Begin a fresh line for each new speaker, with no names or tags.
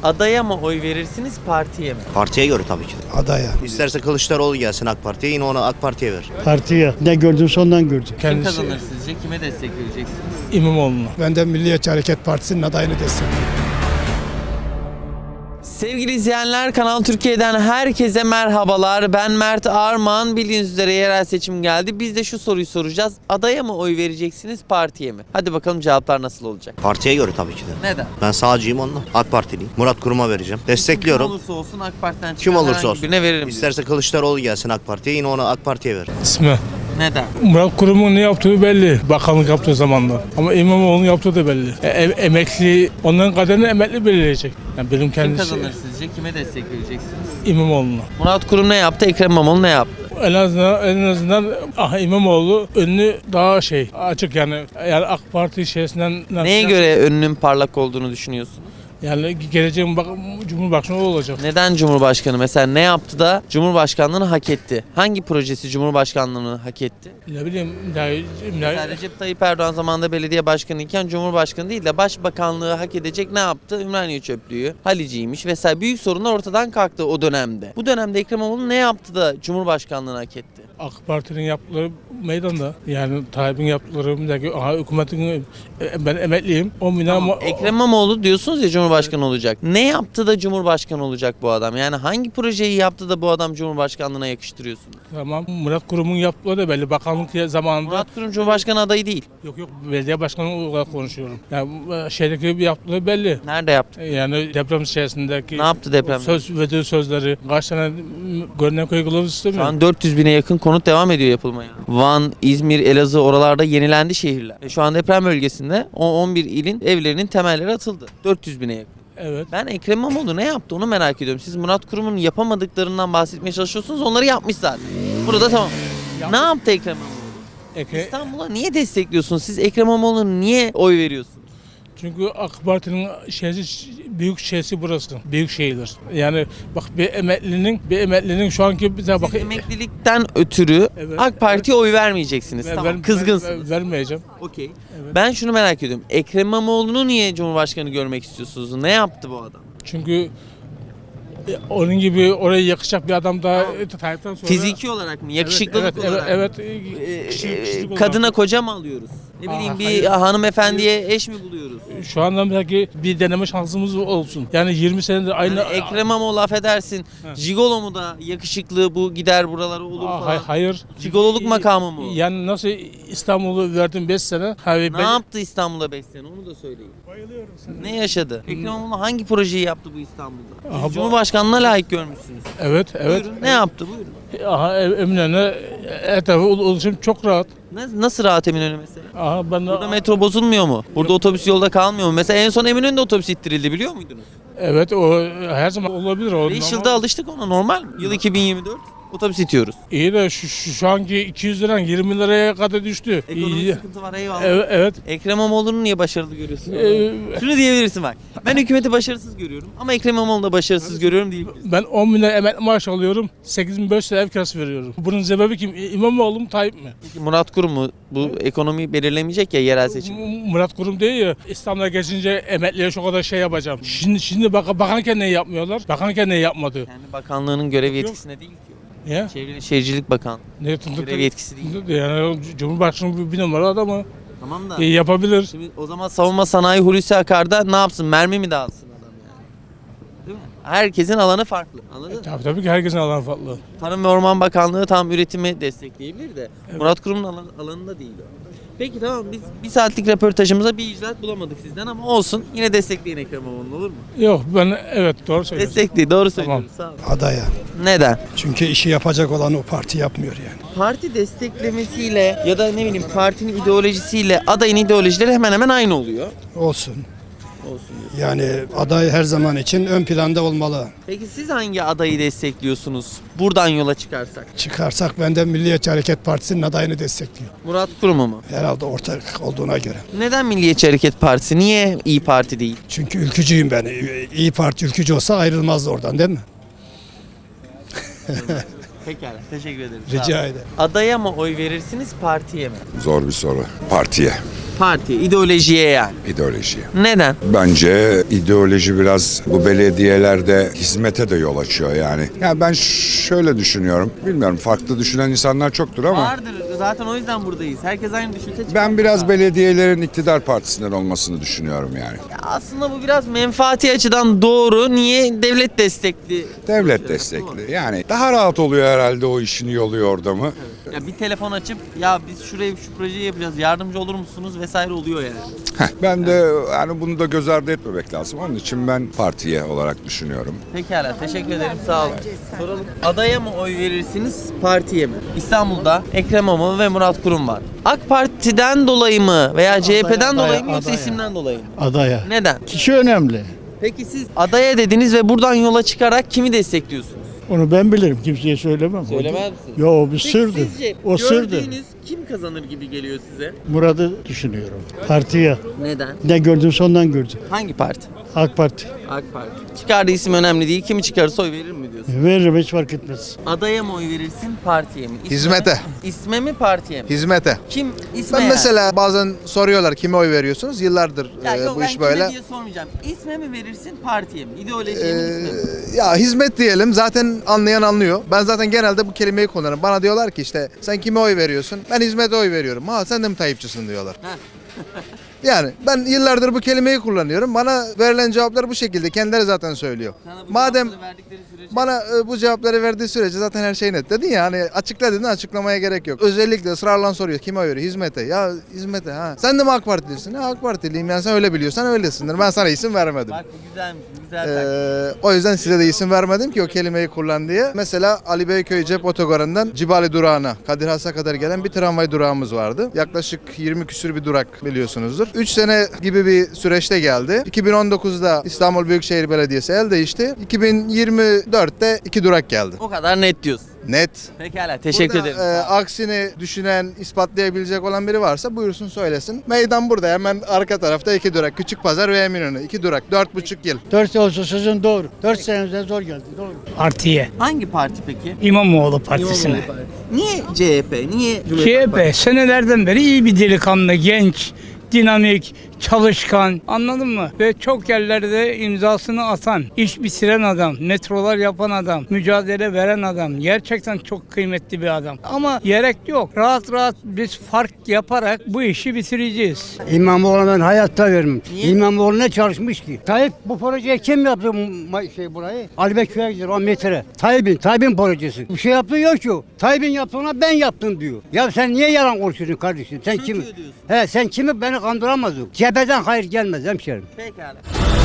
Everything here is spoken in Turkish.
Adaya mı oy verirsiniz, partiye mi?
Partiye göre tabii ki.
Adaya.
İsterse Kılıçdaroğlu gelsin AK Parti'ye, yine ona AK Parti'ye ver.
Partiye. Ne gördümse ondan gördüm.
Kim kazanır sizce? Kime destek vereceksiniz?
İmamoğlu'na.
Ben de Milliyetçi Hareket Partisi'nin adayını destekliyorum.
Sevgili izleyenler, Kanal Türkiye'den herkese merhabalar. Ben Mert Arman. Bildiğiniz üzere yerel seçim geldi. Biz de şu soruyu soracağız. Adaya mı oy vereceksiniz, partiye mi? Hadi bakalım cevaplar nasıl olacak?
Partiye göre tabii ki de.
Neden?
Ben sağcıyım onunla. AK Partiliyim. Murat Kurum'a vereceğim.
Kim
Destekliyorum.
olursa olsun AK Parti'den çıkan
Kim olursa
herhangi
olsun.
birine veririm.
İsterse Kılıçdaroğlu gelsin AK Parti'ye, yine ona AK Parti'ye ver.
İsmi.
Neden?
Murat Kurum'un ne yaptığı belli. Bakanlık yaptığı zamanda. Ama İmamoğlu'nun yaptığı da belli. Emekli, onların kaderini emekli belirleyecek. Yani benim
Kim
kendisi
kazanır sizce? Kime destek vereceksiniz?
İmamoğlu'na.
Murat Kurum ne yaptı? Ekrem İmamoğlu ne yaptı?
En azından İmamoğlu önünü daha açık yani AK Parti içerisinden
Neye göre önünün parlak olduğunu düşünüyorsunuz?
yani geleceğin Cumhurbaşkanı olacak.
Neden Cumhurbaşkanı? Mesela ne yaptı da Cumhurbaşkanlığını hak etti? Hangi projesi Cumhurbaşkanlığını hak etti?
Ne bileyim
Mesela Recep Tayyip Erdoğan zamanında belediye başkanı iken Cumhurbaşkanı değil de başbakanlığı hak edecek ne yaptı? Ümraniye çöplüğü, Haliciymiş vesaire büyük sorunlar ortadan kalktı o dönemde. Bu dönemde Ekrem İmamoğlu ne yaptı da Cumhurbaşkanlığını hak etti?
AK Parti'nin yaptıkları meydanda. Yani Tayyip'in yaptıkları hükümetin ben emekliyim. 10 bin
Tamam, Ekrem İmamoğlu diyorsunuz ya Cumhurbaşkanı olacak. Ne yaptı da Cumhurbaşkanı olacak bu adam? Yani hangi projeyi yaptı da bu adam Cumhurbaşkanlığına yakıştırıyorsunuz?
Tamam. Murat Kurum'un yaptığı da belli. Bakanlık zamanında.
Murat Kurum Cumhurbaşkanı adayı değil.
Yok belediye başkanı olarak konuşuyorum. Yani şeydeki bir yaptığı belli.
Nerede yaptı?
Yani deprem içerisindeki
Ne yaptı depremde?
verdiği sözleri kaç tane görünen köy kılavuz
Şu
istemiyor.
an 400 bine yakın konut devam ediyor yapılmaya. Van, İzmir, Elazığ oralarda yenilendi şehirler. Şu an deprem bölgesinde 11 ilin evlerinin temelleri atıldı. 400 bine yakın.
Evet.
Ben Ekrem İmamoğlu ne yaptı onu merak ediyorum. Siz Murat Kurum'un yapamadıklarından bahsetmeye çalışıyorsunuz. Onları yapmış zaten. Burada tamam. Ne yaptı Ekrem İmamoğlu? İstanbul'a niye destekliyorsunuz? Siz Ekrem İmamoğlu'na niye oy veriyorsunuz?
Çünkü AK Parti'nin büyük şeysi burası. Büyük şehirler. Yani bak bir emeklinin şu anki bize bak
Siz emeklilikten ötürü
Evet,
AK Parti'ye oy vermeyeceksiniz. Tamam, kızgınsınız.
Vermeyeceğim.
Okey.
Evet.
Ben şunu merak ediyorum. Ekrem İmamoğlu'nu niye Cumhurbaşkanı görmek istiyorsunuz? Ne yaptı bu adam?
Çünkü onun gibi oraya yakışacak bir adam da Tayyip'ten sonra...
Fiziki olarak mı? Yakışıklılık olarak mı?
Evet. Kişilik olarak.
Kadına koca mı alıyoruz? Ne bileyim bir
hayır.
hanımefendiye eş mi buluyoruz?
Şu anda belki bir deneme şansımız olsun. Yani 20 senedir aynı...
Yani Ekrem İmamoğlu affedersin. Jigolo mu da yakışıklı bu gider buralara olur falan?
Hayır.
Jigololuk makamı mı?
Yani nasıl İstanbul'u verdim 5 sene.
Ne yaptı İstanbul'da 5 sene onu da söyleyin.
Bayılıyorum sana.
Ne yaşadı? Ekrem İmamoğlu hangi projeyi yaptı bu İstanbul'da? Siz
Aha,
Cumhurbaşkanlığına layık görmüşsünüz.
Evet.
Buyurun. Ne yaptı? Buyurun.
Eminönü etrafı ulaşım çok rahat.
Nasıl rahat Eminönü mesela?
Ben
Burada metro bozulmuyor mu? Burada otobüs yolda kalmıyor mu? Mesela en son Eminönü'nde otobüs ittirildi biliyor muydunuz?
Evet o her zaman olabilir. O
5
normal.
yılda alıştık ona normal mi? Yıl 2024 otobüs itiyoruz.
İyi de şu anki 200 liran 20 liraya kadar düştü.
Ekonomik
İyi.
sıkıntı var eyvallah.
Evet.
Ekrem İmamoğlu'nu niye başarılı görüyorsun?
Ee,
Şunu diyebilirsin bak. Ben hükümeti başarısız görüyorum ama Ekrem İmamoğlu'nu da başarısız görüyorum değil.
Ben 10 bin lira emekli maaş alıyorum. 8.500 lira ev kirası veriyorum. Bunun sebebi kim? İmamoğlu mu Tayyip mi?
Peki Murat Kurum mu? Bu ekonomiyi belirlemeyecek ya yerel seçim.
Murat Kurum değil ya. İstanbul'a geçince emekliye şu kadar şey yapacağım. Şimdi bakanken ne yapmıyorlar? Bakanken ne yapmadı?
Yani bakanlığının görev yetkisine değil ki.
Ya?
Çevre ve Şehircilik Bakan.
Ne
Görev yetkisi değil.
Yani Cumhurbaşkanı bir numara adamı.
Tamam da.
Yapabilir.
Şimdi o zaman savunma sanayi Hulusi Akar'da ne yapsın? Mermi mi dağıtsın adam yani? Değil mi? Herkesin alanı farklı. Anladın mı?
Tabii ki herkesin alanı farklı.
Tarım ve Orman Bakanlığı tam üretimi destekleyebilir de Murat Kurum'un alanında değil o. Peki tamam biz bir saatlik röportajımıza bir icraat bulamadık sizden ama olsun yine destekleyin Ekrem İmamoğlu'nu olur mu?
Yok evet doğru söylüyorsun.
Destekleyin doğru söylüyorsun. Sağ olun.
Adaya.
Neden?
Çünkü işi yapacak olan o parti yapmıyor yani.
Parti desteklemesiyle ya da ne bileyim partinin ideolojisiyle adayın ideolojileri hemen hemen aynı oluyor.
Olsun.
Olsun diyorsun.
Yani aday her zaman için ön planda olmalı.
Peki siz hangi adayı destekliyorsunuz? Buradan yola çıkarsak.
Çıkarsak ben de Milliyetçi Hareket Partisi'nin adayını destekliyorum.
Murat Kurum'u mu?
Herhalde ortak olduğuna göre.
Neden Milliyetçi Hareket Partisi? Niye İyi Parti değil?
Çünkü ülkücüyüm ben. İyi Parti ülkücü olsa ayrılmazdı oradan değil mi?
Pekala. Teşekkür ederim. Sağ
Rica
olun.
ederim.
Adaya mı oy verirsiniz, partiye mi?
Zor bir soru. Partiye,
Partiye, ideolojiye yani.
ideolojiye.
Neden?
Bence ideoloji biraz bu belediyelerde hizmete de yol açıyor yani. Ya ben şöyle düşünüyorum. Bilmiyorum, farklı düşünen insanlar çoktur ama
Vardır. Zaten o yüzden buradayız. Herkes aynı düşünse çıkar.
ben biraz belediyelerin iktidar partisinden olmasını düşünüyorum yani.
Ya aslında bu biraz menfaati açıdan doğru. Niye? Devlet destekli.
Devlet destekli. Yani daha rahat oluyor herhalde, o işini yoluyor orada mı?
Ya bir telefon açıp ya biz şuraya şu projeyi yapacağız. Yardımcı olur musunuz vesaire oluyor yani.
Ben de yani bunu da göz ardı etmemek lazım. Onun için ben partiye olarak düşünüyorum.
Pekala. Teşekkür ederim. Sağ olun. Soralım. Adaya mı oy verirsiniz, partiye mi? İstanbul'da Ekrem İmamoğlu ve Murat Kurum var. AK Parti'den dolayı mı veya CHP'den dolayı mı yoksa isimden dolayı mı?
Adaya.
Neden?
Kişi önemli.
Peki siz adaya dediniz ve buradan yola çıkarak kimi destekliyorsunuz?
Onu ben bilirim. Kimseye söylemem.
Söylemez misiniz?
Yo, o bir
Peki
sırdır.
sizce
O sırdır.
gördüğünüz kim kazanır gibi geliyor size?
Murat'ı düşünüyorum. Partiye.
Neden?
Ne gördüm sondan gördüm.
Hangi parti?
AK Parti.
AK Parti. Çıkardığı isim önemli değil. Kimi çıkarırsa oy verir mi diyorsun?
Veririm, hiç fark etmez.
Adaya mı oy verirsin, partiye mi?
Hizmete.
İsme mi, partiye mi?
Hizmete.
Kim isme
Ben
yani?
mesela bazen soruyorlar kime oy veriyorsunuz? Yıllardır
Ya yok,
bu
ben
iş
kime
böyle.
diye sormayacağım. İsme mi verirsin, partiye mi? İdeolojiye mi, isme mi?
Ya hizmet diyelim, zaten anlayan anlıyor. Ben zaten genelde bu kelimeyi kullanırım. Bana diyorlar ki işte sen kime oy veriyorsun? Ben hizmete oy veriyorum. Ha sen de mi Tayyipçisin diyorlar. Yani ben yıllardır bu kelimeyi kullanıyorum. Bana verilen cevaplar bu şekilde. Kendileri zaten söylüyor.
Sana bu
Madem
cevapları verdikleri sürece-
bana bu cevapları verdiği sürece zaten her şey net. Dedin ya hani açıkla dedin, açıklamaya gerek yok. Özellikle ısrarla soruyor kime oy veriyor? Hizmete. Ya hizmete ha. Sen de mi AK Partilisin? Ha AK Partiliyim, yani sen öyle biliyorsan öylesindir. Ben sana isim vermedim.
Bak bu güzelmiş, bu güzel taktik.
O yüzden size de isim vermedim ki o kelimeyi kullan diye. Mesela Ali Beyköy Cep Otogarı'ndan Cibali durağına, Kadir Has'a kadar gelen bir tramvay durağımız vardı. Yaklaşık 20 küsür bir durak biliyorsunuzdur. 3 sene gibi bir süreçte geldi. 2019'da İstanbul Büyükşehir Belediyesi el değişti. 2024'te 2 durak geldi.
O kadar net diyorsun.
Net.
Pekala, teşekkür
Burada,
ederim.
aksini düşünen, ispatlayabilecek olan biri varsa buyursun söylesin. Meydan burada, hemen arka tarafta 2 durak. Küçükpazar ve Eminönü 2 durak. 4,5 yıl.
4 olsa sözün doğru. 4 senemizde zor geldi. Doğru.
Partiye.
Hangi parti peki?
İmamoğlu Partisi'ne.
İmamoğlu Partisi. Niye CHP? Niye Cumhuriyet Halk Partisi?
CHP senelerden beri iyi bir delikanlı, genç, dinamik, çalışkan, anladın mı? Ve çok yerlerde imzasını atan, iş bitiren adam, metrolar yapan adam, mücadele veren adam. Gerçekten çok kıymetli bir adam. Ama gerek yok. Rahat rahat biz fark yaparak bu işi bitireceğiz.
İmamoğlu'na ben hayatta vermem.
Niye?
İmamoğlu ne çalışmış ki? Tayyip bu projeyi kim yaptı burayı? Ali Bekir'e gidiyor o metre. Tayyip'in projesi. Bir şey yaptığı yok ki o. Tayyip'in yaptığına ben yaptım diyor. Ya sen niye yalan konuşuyorsun kardeşim? Sen
Çöküyor
kimi?
diyorsun.
He sen kimi beni kandıramazsın. Cepheden hayır gelmez hemşerim.
Pekala.